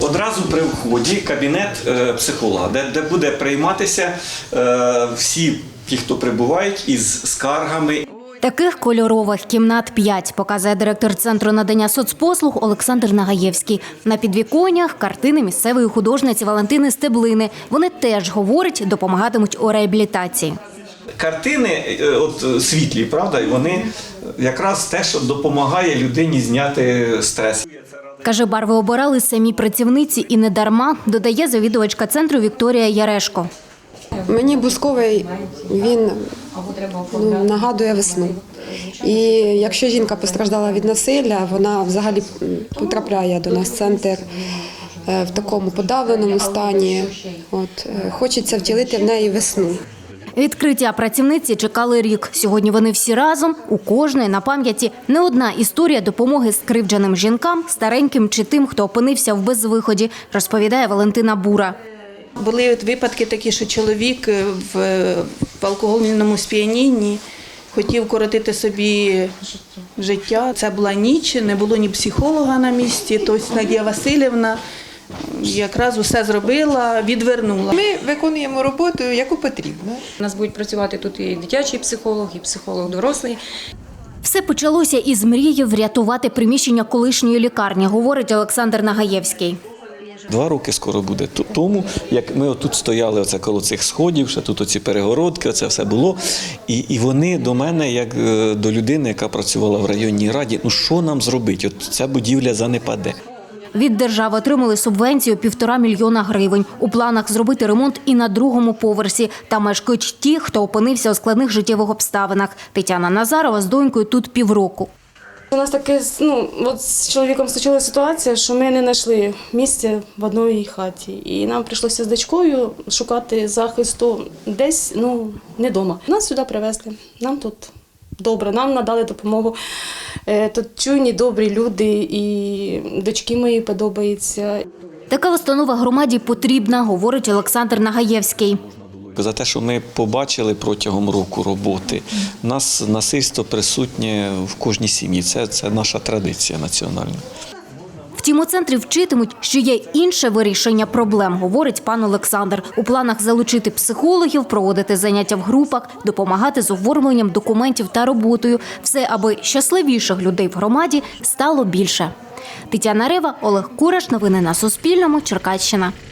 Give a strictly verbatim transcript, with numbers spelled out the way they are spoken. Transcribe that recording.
одразу при вході кабінет е, психолога, де, де буде прийматися е, всі ті, хто прибувають із скаргами. Таких кольорових кімнат п'ять, показує директор Центру надання соцпослуг Олександр Нагаєвський. На підвіконнях картини місцевої художниці Валентини Стеблини. Вони теж, говорить, допомагатимуть у реабілітації. Картини от, світлі, правда, і вони якраз те, що допомагає людині зняти стрес. Каже, барви обирали самі працівниці і не дарма, додає завідувачка центру Вікторія Ярешко. Мені бусковий, він ну, нагадує весну. І якщо жінка постраждала від насилля, вона взагалі потрапляє до нас в центр в такому подавленому стані. От, хочеться втілити в неї весну. Відкриття працівниці чекали рік. Сьогодні вони всі разом, у кожної на пам'яті не одна історія допомоги скривдженим жінкам, стареньким чи тим, хто опинився в безвиході, розповідає Валентина Бура. Були випадки такі, що чоловік в, в алкогольному сп'янінні хотів коротити собі життя. Це була ніч, не було ні психолога на місці, тобто Надія Васильівна якраз усе зробила, відвернула. Ми виконуємо роботу, яку потрібно. У нас будуть працювати тут і дитячий психолог, і психолог дорослий. Все почалося із мрії врятувати приміщення колишньої лікарні, говорить Олександр Нагаєвський. Два роки скоро буде тому, як ми отут стояли оце коло цих сходів, ще тут оці перегородки, оце все було. І, і вони до мене, як до людини, яка працювала в районній раді, ну що нам зробити? От ця будівля занепаде. Від держави отримали субвенцію півтора мільйона гривень. У планах зробити ремонт і на другому поверсі. Там мешкають ті, хто опинився у складних життєвих обставинах. Тетяна Назарова з донькою тут півроку. У нас таке, ну, от з чоловіком случилася ситуація, що ми не знайшли місця в одній хаті. І нам прийшлося з дочкою шукати захисту десь, ну, не вдома. Нас сюди привезли, нам тут добре, нам надали допомогу. Тут чуйні, добрі люди, і дочки мої подобаються. Така установа громаді потрібна, говорить Олександр Нагаєвський. За те, що ми побачили протягом року роботи, у нас насильство присутнє в кожній сім'ї. Це, це наша традиція національна. Втім, у центрі вчитимуть, що є інше вирішення проблем, говорить пан Олександр. У планах залучити психологів, проводити заняття в групах, допомагати з оформленням документів та роботою. Все, аби щасливіших людей в громаді стало більше. Тетяна Рева, Олег Кураш. Новини на Суспільному. Черкащина.